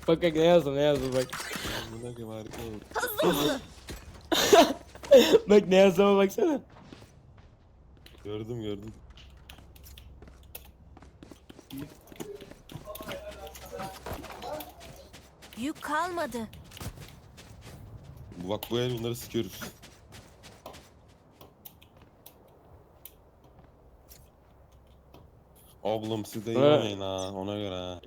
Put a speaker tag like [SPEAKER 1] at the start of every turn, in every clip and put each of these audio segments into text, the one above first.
[SPEAKER 1] Bak ne yazdım bak.
[SPEAKER 2] Buna gibi harika oldu.
[SPEAKER 1] Bak ne yazdığıma baksana.
[SPEAKER 2] Gördüm.
[SPEAKER 3] Yük kalmadı.
[SPEAKER 2] Bak bu el bunları sıkıyoruz. Oğlum siz de iyi
[SPEAKER 1] Evet.
[SPEAKER 2] oynayın ha ona göre ha.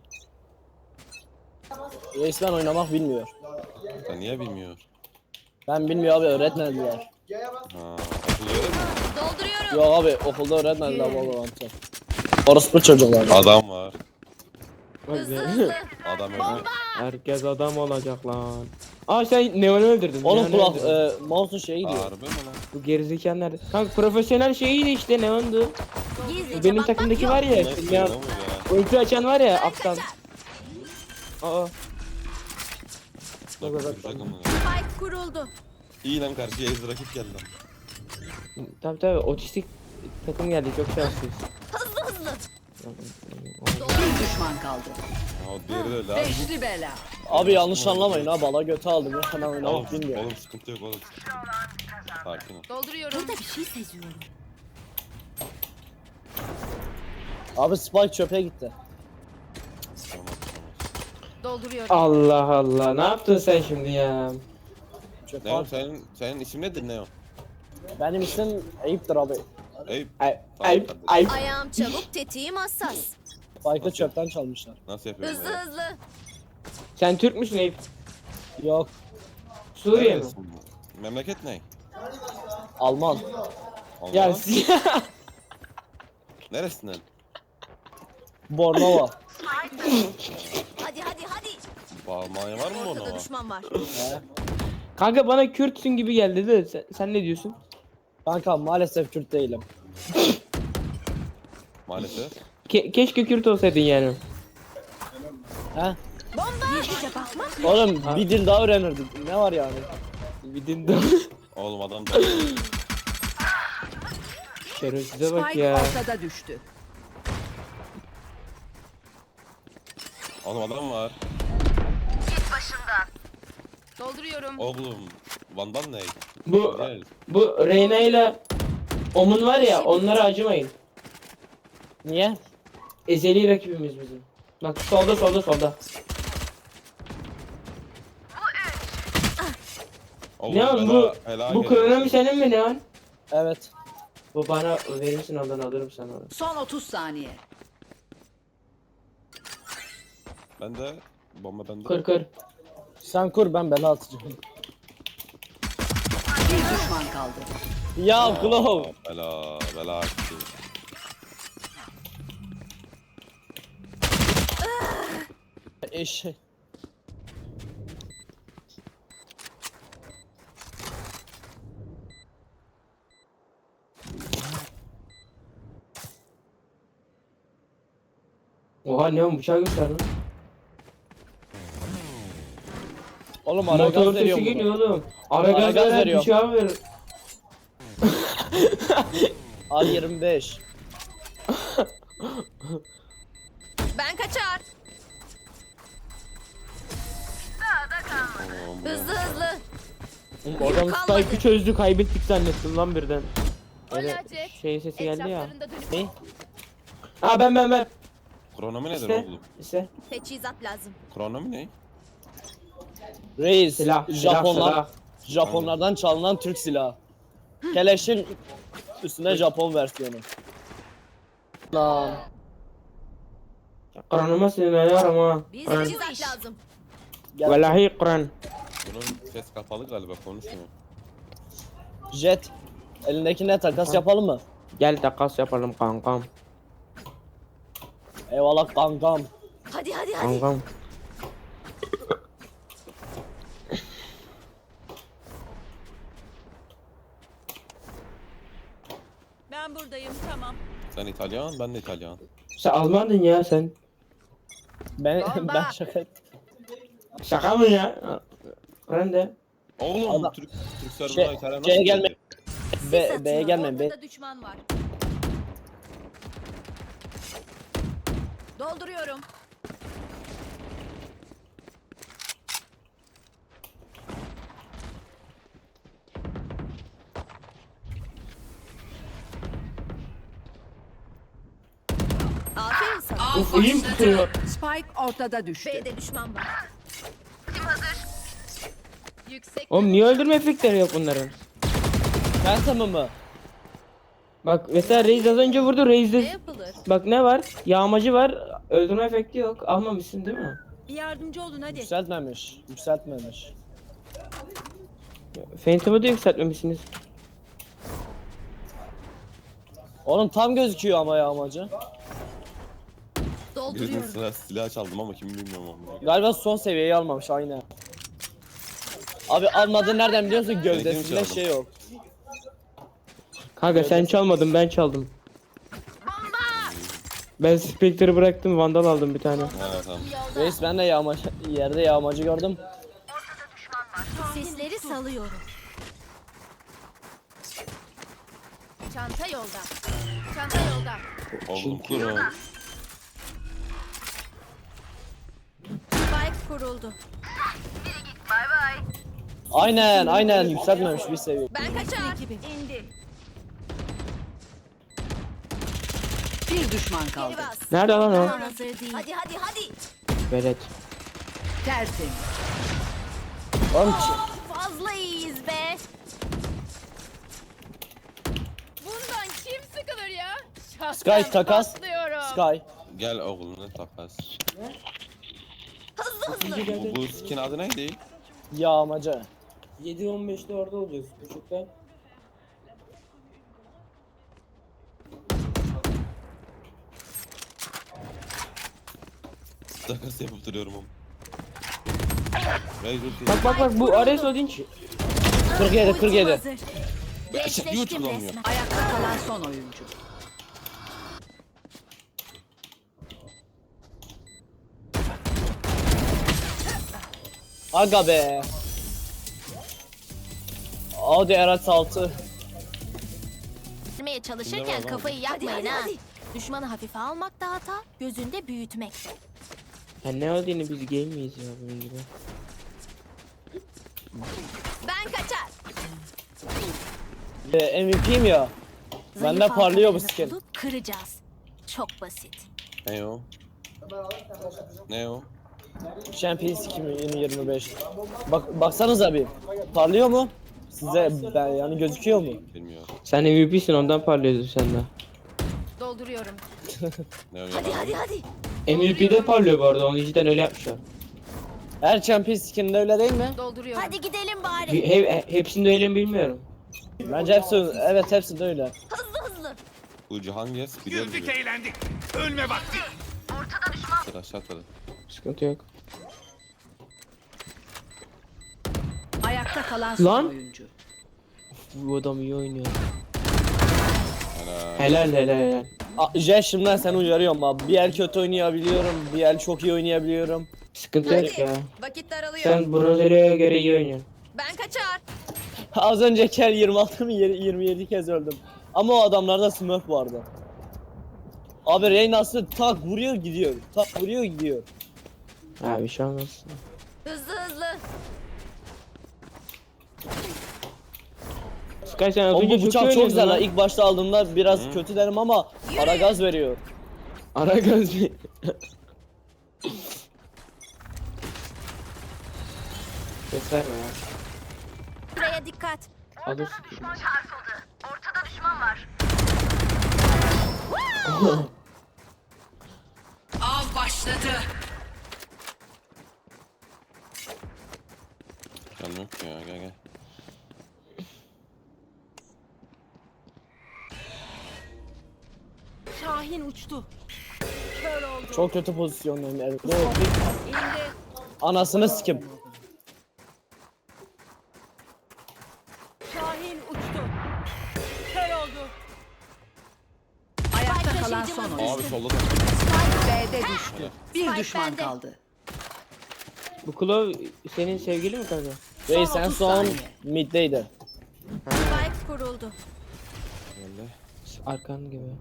[SPEAKER 4] Resmen oynamak bilmiyor.
[SPEAKER 2] Ya niye bilmiyor?
[SPEAKER 4] Ben bilmiyor abi, öğretmediler.
[SPEAKER 2] Ha, akıl öyle mi?
[SPEAKER 3] Dolduruyorum.
[SPEAKER 4] Yok abi, okulda öğretmediler Valorant'ı. Orospu çocuklar.
[SPEAKER 2] Adam var.
[SPEAKER 1] Bak
[SPEAKER 3] Hızlı
[SPEAKER 1] ya.
[SPEAKER 3] hızlı.
[SPEAKER 2] Adam öldü.
[SPEAKER 1] Herkes adam olacak lan. Aa sen Neon'u öldürdün.
[SPEAKER 4] Oğlum
[SPEAKER 1] Neon'u
[SPEAKER 4] kulak,
[SPEAKER 1] öldürdün.
[SPEAKER 4] mouse'un şeyi gidiyor.
[SPEAKER 2] Harbi mi lan?
[SPEAKER 1] Bu gerizekalı nerede? Kanka profesyonel şeyiydi işte Neon'du.
[SPEAKER 3] Gizlice
[SPEAKER 1] Benim
[SPEAKER 3] bakmak
[SPEAKER 1] takımdaki
[SPEAKER 3] yok.
[SPEAKER 1] var ya.
[SPEAKER 2] Nasıl
[SPEAKER 1] Ya,
[SPEAKER 2] ya?
[SPEAKER 1] ulti açan var ya aptal. Aa.
[SPEAKER 2] Bak,
[SPEAKER 1] Bak, bak,
[SPEAKER 2] bir
[SPEAKER 1] bak.
[SPEAKER 2] takım var.
[SPEAKER 3] Spike kuruldu.
[SPEAKER 2] İyi lan karşıya ez rakip geldi lan.
[SPEAKER 1] Tabii otistik takım geldi çok şanslıyız.
[SPEAKER 3] Hızlı.
[SPEAKER 5] Bir düşman kaldı.
[SPEAKER 2] Ha, o diğeri de öyle abi.
[SPEAKER 5] Beşli bela.
[SPEAKER 4] Abi yanlış anlamayın ha, bala götü aldım ya, hemen
[SPEAKER 2] Oğlum,
[SPEAKER 4] oynamak bilmiyor.
[SPEAKER 2] oğlum sıkıntı yok oğlum. Sakin ol.
[SPEAKER 3] Dolduruyorum. Burada bir şey seziyorum.
[SPEAKER 4] Abi Spike çöpe gitti.
[SPEAKER 2] Tamam.
[SPEAKER 3] Dolduruyorum.
[SPEAKER 1] Allah Allah ne yaptın sen şimdi ya?
[SPEAKER 4] Çöp
[SPEAKER 2] Neo
[SPEAKER 4] abi.
[SPEAKER 2] senin isim nedir Neo?
[SPEAKER 4] Benim isim Eyüp'tür abi.
[SPEAKER 2] Eyüp.
[SPEAKER 1] Ay ay
[SPEAKER 3] Ayağım çabuk, tetiğim hassas.
[SPEAKER 4] Spike'ı çöpten çalmışlar.
[SPEAKER 2] Nasıl yapıyorsun?
[SPEAKER 3] Hızlı hızlı.
[SPEAKER 1] sen Türk müsün Eyüp?
[SPEAKER 4] Yok,
[SPEAKER 1] Suriye mi?
[SPEAKER 2] Memleket ne?
[SPEAKER 4] Alman.
[SPEAKER 2] Allah.
[SPEAKER 1] Ya
[SPEAKER 2] Neresinden?
[SPEAKER 4] Bornova.
[SPEAKER 3] Hadi.
[SPEAKER 2] Almanya var mı
[SPEAKER 3] Ortada
[SPEAKER 2] ona?
[SPEAKER 3] düşman var.
[SPEAKER 4] He.
[SPEAKER 1] kanka bana Kürtsün gibi geldi de sen ne diyorsun?
[SPEAKER 4] Kanka maalesef Kürt değilim.
[SPEAKER 2] Maalesef.
[SPEAKER 1] Keşke Kürt olsaydın yani.
[SPEAKER 4] He?
[SPEAKER 3] Gizlice bakmak.
[SPEAKER 4] Oğlum
[SPEAKER 1] Ha.
[SPEAKER 4] bir dil daha öğrenirdik. Ne var yani?
[SPEAKER 1] Bir dinde.
[SPEAKER 2] Oğlum adam da
[SPEAKER 1] Şerefsize bak
[SPEAKER 5] Spike
[SPEAKER 1] ya.
[SPEAKER 5] ortada düştü.
[SPEAKER 2] Oğlum adam var.
[SPEAKER 3] Dolduruyorum.
[SPEAKER 2] Oğlum Van'dan ne?
[SPEAKER 1] Bu
[SPEAKER 2] Gel.
[SPEAKER 1] bu Reyna ile Omun var ya onlara acımayın.
[SPEAKER 4] Niye?
[SPEAKER 1] Ezeli rakibimiz bizim. Bak solda.
[SPEAKER 2] Oğlum,
[SPEAKER 1] Ne oğlum
[SPEAKER 2] bela- bela
[SPEAKER 1] bu
[SPEAKER 2] geliyor.
[SPEAKER 1] kronomi senin mi ne an?
[SPEAKER 4] Evet.
[SPEAKER 1] Bu bana verirsin ondan alırım sana.
[SPEAKER 5] Son 30 saniye.
[SPEAKER 2] Ben de bomba bende.
[SPEAKER 1] Kır.
[SPEAKER 4] Sen kur, ben bela atacağım.
[SPEAKER 5] Bir düşman kaldı.
[SPEAKER 4] Ya Glove.
[SPEAKER 2] Bela açtı.
[SPEAKER 4] Eşek.
[SPEAKER 1] Oha ne on bıçağı göster lan.
[SPEAKER 4] Oğlum ara
[SPEAKER 1] Motor
[SPEAKER 4] gaz
[SPEAKER 1] sesi
[SPEAKER 4] veriyorum
[SPEAKER 1] geliyor
[SPEAKER 4] bunu.
[SPEAKER 1] oğlum. Ara
[SPEAKER 4] Ara
[SPEAKER 1] gaz
[SPEAKER 4] gaz
[SPEAKER 1] ver
[SPEAKER 4] veriyor.
[SPEAKER 1] bıçağı ver.
[SPEAKER 4] Al 25.
[SPEAKER 3] Ben kaçar.
[SPEAKER 2] Oğlum,
[SPEAKER 3] Hızlı.
[SPEAKER 1] Oğlum adam
[SPEAKER 3] kalmadı.
[SPEAKER 1] Spike'ı çözdü kaybettik zannettim lan birden. Öyle
[SPEAKER 3] Olacak.
[SPEAKER 1] şey sesi geldi ya.
[SPEAKER 3] Etraflarında dönüp
[SPEAKER 4] Ne?
[SPEAKER 1] Ha ben.
[SPEAKER 2] Kronomi nedir
[SPEAKER 1] İşte.
[SPEAKER 2] oğlum?
[SPEAKER 1] İşte
[SPEAKER 3] teçhizat lazım.
[SPEAKER 2] Kronomi ne?
[SPEAKER 4] Reis.
[SPEAKER 1] silah.
[SPEAKER 4] Japonlardan çalınan Türk silahı. Keleşin üstüne Japon versiyonu. Lan.
[SPEAKER 1] Kur'an'ıma sığınıyorum ha.
[SPEAKER 3] Biz
[SPEAKER 1] Kur'an.
[SPEAKER 3] teçhizat lazım.
[SPEAKER 4] Gel.
[SPEAKER 1] Vallahi Kur'an.
[SPEAKER 2] Bunun ses kapalı galiba konuşmuyor.
[SPEAKER 4] Jet. Elindekine takas yapalım mı?
[SPEAKER 1] Gel takas yapalım kankam.
[SPEAKER 4] Eyvallah kankam.
[SPEAKER 3] Hadi.
[SPEAKER 1] Kankam.
[SPEAKER 3] Ben buradayım, tamam.
[SPEAKER 2] Sen İtalyan, ben de İtalyan.
[SPEAKER 1] Sen Almandın ya sen.
[SPEAKER 4] Ben
[SPEAKER 3] Bomba.
[SPEAKER 4] ben şaka ettim.
[SPEAKER 1] Şaka mı ya? Ben de.
[SPEAKER 2] Oğlum
[SPEAKER 4] Adam-
[SPEAKER 2] Türk serverına
[SPEAKER 4] Şey,
[SPEAKER 2] İtalyan
[SPEAKER 4] şeye
[SPEAKER 2] nasıl
[SPEAKER 4] gelme.
[SPEAKER 2] geldi?
[SPEAKER 4] B'ye gelme.
[SPEAKER 3] Ortada düşman var. Dolduruyorum.
[SPEAKER 1] Uf elim tutuyor.
[SPEAKER 5] Spike ortada düştü.
[SPEAKER 3] B'de düşman var. Yüksek.
[SPEAKER 1] Oğlum niye öldürme efektleri yok bunların?
[SPEAKER 4] Phantom'ı mı?
[SPEAKER 1] Bak mesela Reis az önce vurdu
[SPEAKER 3] Ne
[SPEAKER 1] Reis'de.
[SPEAKER 3] yapılır?
[SPEAKER 1] Bak ne var? Yağmacı var. Öldürme efekti yok. Almamışsın değil mi?
[SPEAKER 3] Bir yardımcı olun hadi.
[SPEAKER 4] Yükseltmemiş. Yükseltmemiş.
[SPEAKER 1] Phantom'ı da yükseltmemişsiniz.
[SPEAKER 4] Oğlum tam gözüküyor ama ya amacı.
[SPEAKER 2] Birinin
[SPEAKER 3] Dolduruyorum.
[SPEAKER 2] sıra silah çaldım ama kim bilmiyorum onu.
[SPEAKER 4] Galiba son seviyeyi almamış aynen. Abi almadığını nereden biliyorsun? Gövdesinde
[SPEAKER 2] çaldım.
[SPEAKER 4] şey yok.
[SPEAKER 1] Kanka sen çalmadın ben çaldım. Ben Spectre'ı bıraktım Vandal aldım bir tane.
[SPEAKER 2] Ha tamam.
[SPEAKER 4] Reis ben de yağmacı, yerde yağmacı gördüm.
[SPEAKER 3] Sesleri salıyorum. Çanta yolda. Çanta yolda.
[SPEAKER 2] Oğlum kurun.
[SPEAKER 3] Spike kuruldu.
[SPEAKER 4] Aynen yükseltmemiş bir seviye.
[SPEAKER 3] Ben kaçar. İndi.
[SPEAKER 5] Bir düşman
[SPEAKER 3] Geri
[SPEAKER 5] kaldı.
[SPEAKER 3] bas.
[SPEAKER 1] Nerede lan o?
[SPEAKER 3] Hazır değil. Hadi.
[SPEAKER 1] Velet.
[SPEAKER 5] Tertemiz.
[SPEAKER 4] Oğlum
[SPEAKER 3] Fazla iyiyiz be. Bundan kim sıkılır ya?
[SPEAKER 4] Sky takas.
[SPEAKER 3] Patlıyorum.
[SPEAKER 4] Sky.
[SPEAKER 2] Gel oğlum ne takas.
[SPEAKER 3] Hızlı.
[SPEAKER 2] Bu skin adı neydi?
[SPEAKER 4] Yağmacı.
[SPEAKER 1] 7-15'te orada olacağız. Buçukta.
[SPEAKER 2] Takas yapıp duruyorum oğlum. Reis ulti.
[SPEAKER 1] Bak bu Ares Odinç.
[SPEAKER 4] 47.
[SPEAKER 3] Hazır.
[SPEAKER 2] Yuh
[SPEAKER 3] Gençleştim
[SPEAKER 2] kullanmıyor.
[SPEAKER 3] resmen.
[SPEAKER 5] Ayakta kalan son oyuncu.
[SPEAKER 4] Aga be. Audi RS6.
[SPEAKER 3] Vermeye çalışırken kafayı yakmayın ha. Düşmanı hafife almak da hata, gözünde büyütmek.
[SPEAKER 1] Ya ne olduğunu biz game miyiz ya bunun gibi?
[SPEAKER 3] Ben kaçar.
[SPEAKER 4] MVP'yim ya. Bende
[SPEAKER 3] Zayıf
[SPEAKER 4] parlıyor bu
[SPEAKER 3] halkalarını
[SPEAKER 4] skin.
[SPEAKER 3] bulup kıracağız. Çok basit.
[SPEAKER 2] Ne o? Ne o?
[SPEAKER 4] Champions 2025. Baksanıza bir. Parlıyor mu? Size ben yani gözüküyor mu?
[SPEAKER 2] Bilmiyorum.
[SPEAKER 1] Sen MVP'sin ondan parlıyorsun sen de.
[SPEAKER 3] Dolduruyorum.
[SPEAKER 2] Ne o ya?
[SPEAKER 3] Hadi.
[SPEAKER 1] MVP'de parlıyor bu arada onu cidden öyle yapmışlar.
[SPEAKER 4] Her Champions skininde öyle değil mi?
[SPEAKER 3] Dolduruyorum. Hadi gidelim bari.
[SPEAKER 1] Hepsinde öyle mi bilmiyorum.
[SPEAKER 4] Bence hepsinde öyle.
[SPEAKER 3] Hızlı.
[SPEAKER 2] Bu Cihangir biliyorum.
[SPEAKER 6] Güldük eğlendik. Ölme vakti.
[SPEAKER 2] Sıra aşağı atladı.
[SPEAKER 1] Sıkıntı yok.
[SPEAKER 5] Ayakta kalan son
[SPEAKER 1] Lan!
[SPEAKER 5] oyuncu.
[SPEAKER 1] Bu adam iyi oynuyor.
[SPEAKER 2] Helal.
[SPEAKER 1] Helal.
[SPEAKER 4] Jet şimdiden seni uyarıyorum abi. Bir el kötü oynayabiliyorum, bir el çok iyi oynayabiliyorum.
[SPEAKER 1] Sıkıntı yok ya.
[SPEAKER 3] Vakit daralıyor.
[SPEAKER 1] Sen Bronzero'ya göre iyi oynuyorsun.
[SPEAKER 3] Ben kaçar.
[SPEAKER 4] Az önceki el 26 mı 27 kez öldüm. Ama o adamlarda smurf vardı. Abi Reyna'sı tak vuruyor gidiyor. Tak vuruyor gidiyor.
[SPEAKER 1] Ha bir şey olmaz.
[SPEAKER 3] Hızlı.
[SPEAKER 1] Sky sen az
[SPEAKER 4] O
[SPEAKER 1] önce
[SPEAKER 4] bu
[SPEAKER 1] çok iyi
[SPEAKER 4] bıçak çok
[SPEAKER 1] oynuyordun
[SPEAKER 4] güzel ha.
[SPEAKER 1] lan.
[SPEAKER 4] İlk başta aldığımda biraz kötü derim ama ara gaz veriyor.
[SPEAKER 1] Ara gaz bir. Ses verme ya.
[SPEAKER 3] Buraya dikkat.
[SPEAKER 1] Alırsın.
[SPEAKER 5] Av başladı.
[SPEAKER 2] Canım yok ya gel.
[SPEAKER 3] Şahin uçtu. Kör oldu.
[SPEAKER 4] Çok kötü pozisyondayım. Evet. Ne oldu?
[SPEAKER 3] İndi.
[SPEAKER 4] Anasını sikim.
[SPEAKER 3] Şahin uçtu. Kör oldu.
[SPEAKER 5] Ayakta kalan son
[SPEAKER 2] Abi
[SPEAKER 5] oyuncu.
[SPEAKER 2] solda da.
[SPEAKER 5] B'de düştü. Bir
[SPEAKER 3] Spike
[SPEAKER 5] düşman
[SPEAKER 3] bende.
[SPEAKER 5] kaldı.
[SPEAKER 1] Bu Klov senin sevgili mi kanka?
[SPEAKER 4] Reis en
[SPEAKER 5] 30
[SPEAKER 4] son
[SPEAKER 5] saniye.
[SPEAKER 4] middeydi.
[SPEAKER 3] Spike kuruldu.
[SPEAKER 2] Böyle.
[SPEAKER 1] Arkan gibi.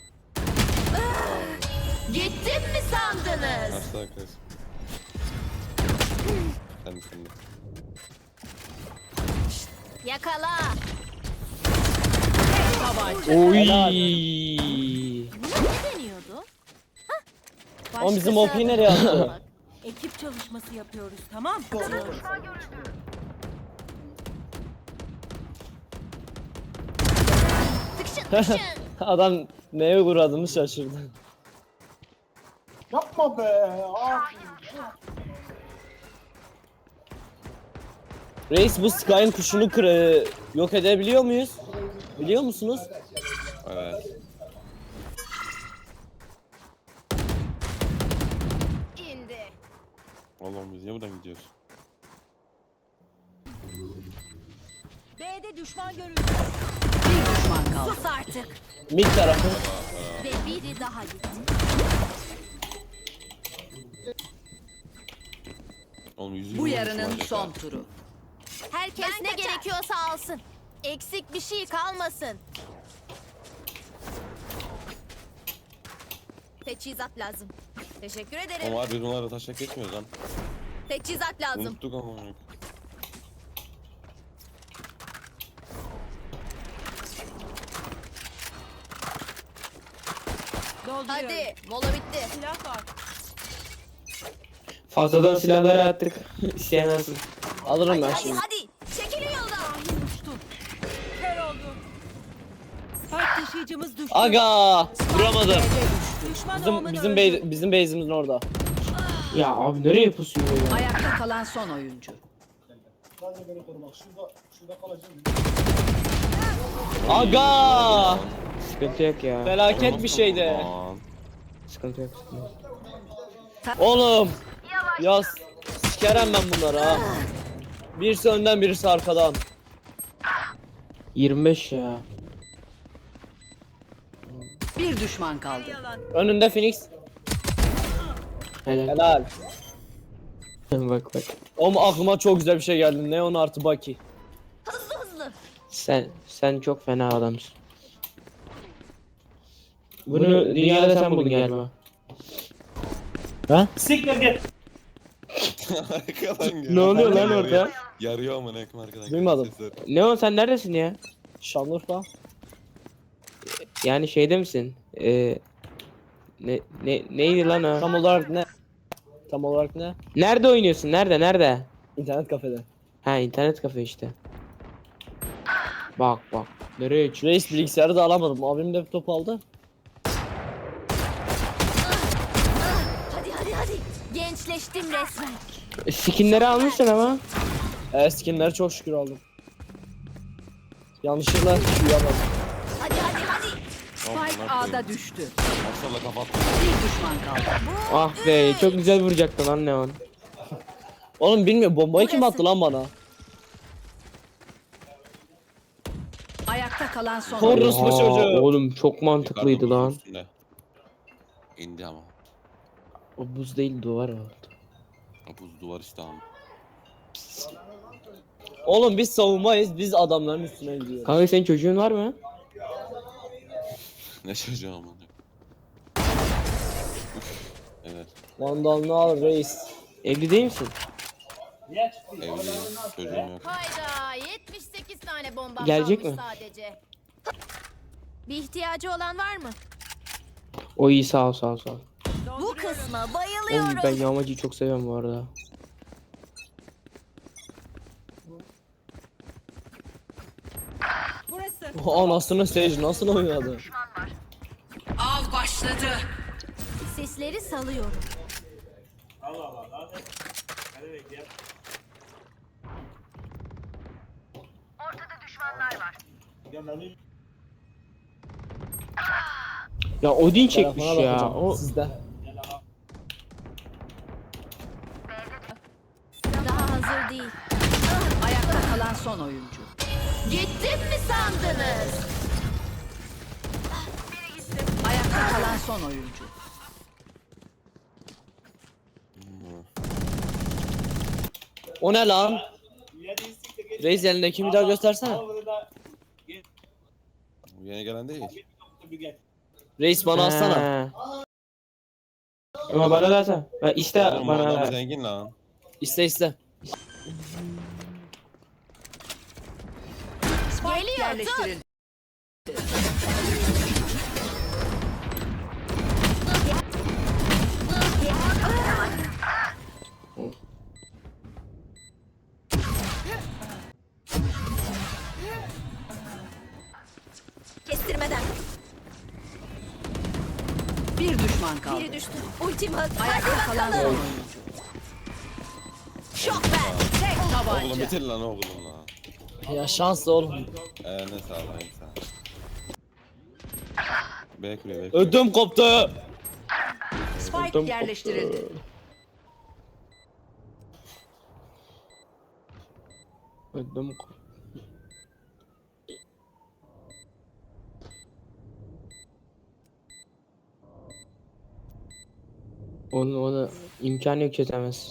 [SPEAKER 3] Gittim mi sandınız?
[SPEAKER 2] Karşıda arkadaş. Sen de.
[SPEAKER 3] Yakala.
[SPEAKER 1] Oy.
[SPEAKER 4] Helal.
[SPEAKER 3] Ne deniyordu?
[SPEAKER 4] Oğlum bizim OP'yi nereye attı?
[SPEAKER 7] Ekip çalışması yapıyoruz, tamam?
[SPEAKER 3] Tıkşın tıkşın.
[SPEAKER 4] Adam neye uğradığını şaşırdı.
[SPEAKER 8] Yapma be.
[SPEAKER 4] Reis bu Sky'ın kuşunu yok edebiliyor muyuz? Biliyor musunuz?
[SPEAKER 2] Evet.
[SPEAKER 3] İndi.
[SPEAKER 2] Oğlum biz niye buradan gidiyoruz?
[SPEAKER 7] B'de düşman görüldü.
[SPEAKER 5] Bir düşman kaldı.
[SPEAKER 3] Sus artık.
[SPEAKER 4] Mid tarafı.
[SPEAKER 3] Ve biri daha gitti.
[SPEAKER 2] Oğlum yüzü
[SPEAKER 5] Bu
[SPEAKER 2] yüzü
[SPEAKER 5] yarının
[SPEAKER 2] olacak
[SPEAKER 5] son
[SPEAKER 2] ha.
[SPEAKER 5] turu.
[SPEAKER 3] Herkes ne gerekiyorsa alsın. Eksik bir şey kalmasın. Teçhizat lazım. Teşekkür ederim.
[SPEAKER 2] Oğlum abi biz bunlarla taşak geçmiyoruz lan.
[SPEAKER 3] Teçhizat lazım.
[SPEAKER 2] Unuttuk ama.
[SPEAKER 7] Dolduruyorum.
[SPEAKER 3] Hadi mola bitti.
[SPEAKER 7] Silah var.
[SPEAKER 1] Fazladan silahları attık. İsteyen alsın.
[SPEAKER 4] Alırım ben
[SPEAKER 3] Hadi
[SPEAKER 4] şimdi.
[SPEAKER 3] hadi. Çekilin yoldan.
[SPEAKER 7] Kör oldu. Spike taşıyıcımız düştü.
[SPEAKER 4] Aga! Vuramadım.
[SPEAKER 7] Düşman
[SPEAKER 4] Bizim
[SPEAKER 7] olmanı
[SPEAKER 4] bizim
[SPEAKER 7] öldü.
[SPEAKER 4] bizim base'imizin orada.
[SPEAKER 1] Ya abi nereye pusuyor ya?
[SPEAKER 5] Ayakta kalan son oyuncu.
[SPEAKER 4] Aga!
[SPEAKER 1] Sıkıntı yok ya.
[SPEAKER 4] Felaket bir şeydi.
[SPEAKER 2] Aman.
[SPEAKER 1] Sıkıntı yok. Sıkıntı yok.
[SPEAKER 4] Oğlum. Ya sikerem ben bunları ha. Birisi önden birisi arkadan.
[SPEAKER 1] 25 ya.
[SPEAKER 5] Bir düşman kaldı.
[SPEAKER 4] Önünde Phoenix.
[SPEAKER 1] Helal.
[SPEAKER 4] Helal.
[SPEAKER 1] Bak bak.
[SPEAKER 4] Oğlum aklıma çok güzel bir şey geldi. Neon artı Baki.
[SPEAKER 3] Hızlı hızlı.
[SPEAKER 1] Sen çok fena adamsın. Bunu dünyada sen buldun galiba.
[SPEAKER 8] Siktir git.
[SPEAKER 2] Arkadan geliyor.
[SPEAKER 1] Ne oluyor lan
[SPEAKER 2] Yarıyor.
[SPEAKER 1] orada?
[SPEAKER 2] Yarıyor ama ne arkadan.
[SPEAKER 4] Duymadım.
[SPEAKER 2] Sesler.
[SPEAKER 1] Neon sen neredesin ya?
[SPEAKER 4] Şanlıurfa.
[SPEAKER 1] Yani şeyde misin? Neydi lan o?
[SPEAKER 4] Tam olarak ne? Tam olarak ne?
[SPEAKER 1] Nerede oynuyorsun? Nerede?
[SPEAKER 4] İnternet kafede.
[SPEAKER 1] Ha internet kafe işte. Bak bak. Nereye çık?
[SPEAKER 4] Reis bilgisayarı da alamadım. Abim laptop aldı.
[SPEAKER 3] Hadi hadi hadi. Gençleştim resmen.
[SPEAKER 1] Skinleri almışsın ama.
[SPEAKER 4] Skinleri çok şükür aldım. Yanlışlıkla uyuyamadım.
[SPEAKER 3] Hadi hadi hadi.
[SPEAKER 5] Spike A'da düştü.
[SPEAKER 2] Maşallah kapattım.
[SPEAKER 5] Bir düşman kaldı.
[SPEAKER 1] Ah be çok güzel vuracaktı lan Neon.
[SPEAKER 4] Oğlum bilmiyorum bombayı kim attı lan bana?
[SPEAKER 5] Ayakta kalan son
[SPEAKER 4] Korus
[SPEAKER 5] oyuncu.
[SPEAKER 4] bu
[SPEAKER 1] Oha,
[SPEAKER 4] çocuğu.
[SPEAKER 1] oğlum çok mantıklıydı
[SPEAKER 2] Yukarıda
[SPEAKER 1] lan.
[SPEAKER 2] buzun üstünde. İndi ama.
[SPEAKER 1] O buz değil duvar oldu.
[SPEAKER 2] Buz duvar işte ama.
[SPEAKER 4] Oğlum biz savunmayız. Biz adamların üstüne gidiyoruz.
[SPEAKER 1] Kanka senin çocuğun var mı?
[SPEAKER 2] Ne çocuğu ama. Evet.
[SPEAKER 4] Vandalını al reis.
[SPEAKER 1] Evli değil misin?
[SPEAKER 2] Evliyim. Çocuğum yok.
[SPEAKER 3] Hayda 78 tane bomba
[SPEAKER 1] Gelecek
[SPEAKER 3] kalmış
[SPEAKER 1] mi?
[SPEAKER 3] sadece. Bir ihtiyacı olan var mı?
[SPEAKER 1] O iyi sağ ol.
[SPEAKER 3] Bu kısma
[SPEAKER 1] Oğlum
[SPEAKER 3] bayılıyorum.
[SPEAKER 1] ben yağmacıyı çok seviyorum bu arada.
[SPEAKER 7] Burası.
[SPEAKER 4] Anasını Sage nasıl oynadı?
[SPEAKER 5] Av başladı.
[SPEAKER 3] Sesleri salıyorum.
[SPEAKER 1] Ya Odin çekmiş
[SPEAKER 4] Telefona
[SPEAKER 1] ya.
[SPEAKER 4] bakacağım.
[SPEAKER 1] O
[SPEAKER 4] Sizde.
[SPEAKER 3] Daha hazır değil.
[SPEAKER 5] Ayakta kalan son oyuncu.
[SPEAKER 3] Gittim mi sandınız?
[SPEAKER 5] Ayakta kalan son oyuncu.
[SPEAKER 4] O ne lan? Reis elindeki bir daha göstersene.
[SPEAKER 2] Bu yeni gelen değil.
[SPEAKER 4] Reis bana alsana.
[SPEAKER 1] Ha. Ama bana da atsana. İste
[SPEAKER 2] Oğlum bu
[SPEAKER 1] bana
[SPEAKER 2] adam
[SPEAKER 1] da.
[SPEAKER 2] zengin lan.
[SPEAKER 4] İste iste.
[SPEAKER 5] Spike
[SPEAKER 3] Geliyor,
[SPEAKER 5] yerleştirildi.
[SPEAKER 3] Biri düştü. Ultim hazır.
[SPEAKER 5] Ayakta kalan son oyuncu.
[SPEAKER 3] Şok ver.
[SPEAKER 5] Tek
[SPEAKER 2] Oğlum
[SPEAKER 5] tabanca.
[SPEAKER 2] bitir lan oğlum lan.
[SPEAKER 4] Ya şanslı oğlum.
[SPEAKER 2] Ne sağ ol en sağ ol. B kuruyor B kuruyor.
[SPEAKER 4] Ödüm koptu.
[SPEAKER 5] Spike yerleştirildi.
[SPEAKER 1] Ödüm koptu. Onu imkanı yok, çözemez.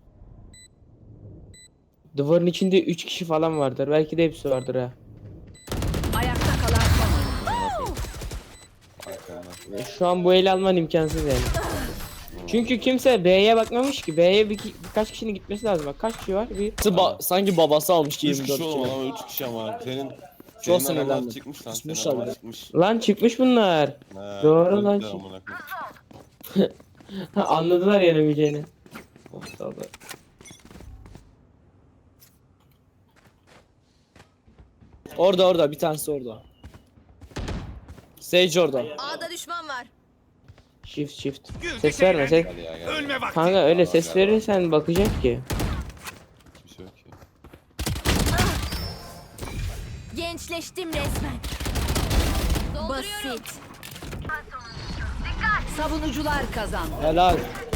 [SPEAKER 1] Duvarın içinde 3 kişi falan vardır. Belki de hepsi vardır ha.
[SPEAKER 5] Ayakta kalan son oyuncu.
[SPEAKER 2] Arkamdan.
[SPEAKER 1] Şu an bu eli alman imkansız yani. Çünkü kimse B'ye bakmamış ki. B'ye birkaç kişinin gitmesi lazım. Bak kaç kişi var? Bir.
[SPEAKER 4] Sanki babası almış
[SPEAKER 2] 3
[SPEAKER 4] 24
[SPEAKER 2] kişi oğlum
[SPEAKER 4] kilo.
[SPEAKER 2] ama 3 kişi ama senin
[SPEAKER 4] Çok
[SPEAKER 2] senin adamlar
[SPEAKER 4] sinirlendim.
[SPEAKER 2] çıkmış lan.
[SPEAKER 4] Kusmuş
[SPEAKER 2] Senin adamlar
[SPEAKER 4] abi.
[SPEAKER 2] çıkmış.
[SPEAKER 1] Lan çıkmış bunlar.
[SPEAKER 2] Ha,
[SPEAKER 1] Doğru lan.
[SPEAKER 2] öldüler amına koyayım.
[SPEAKER 1] Ha, anladılar yenemeyeceğini. Aptallar.
[SPEAKER 4] Orada bir tanesi orada. Sage orada.
[SPEAKER 3] A'da düşman var.
[SPEAKER 1] Shift.
[SPEAKER 6] Güldük,
[SPEAKER 1] Ses verme ses.
[SPEAKER 6] eğlendik.
[SPEAKER 2] Hadi ya gel.
[SPEAKER 6] Ölme vakti.
[SPEAKER 1] Kanka öyle ses verirsen bakacak ki.
[SPEAKER 2] Hiçbir şey yok ki.
[SPEAKER 3] Gençleştim resmen. Basit.
[SPEAKER 5] Savunucular kazandı.
[SPEAKER 4] Helal.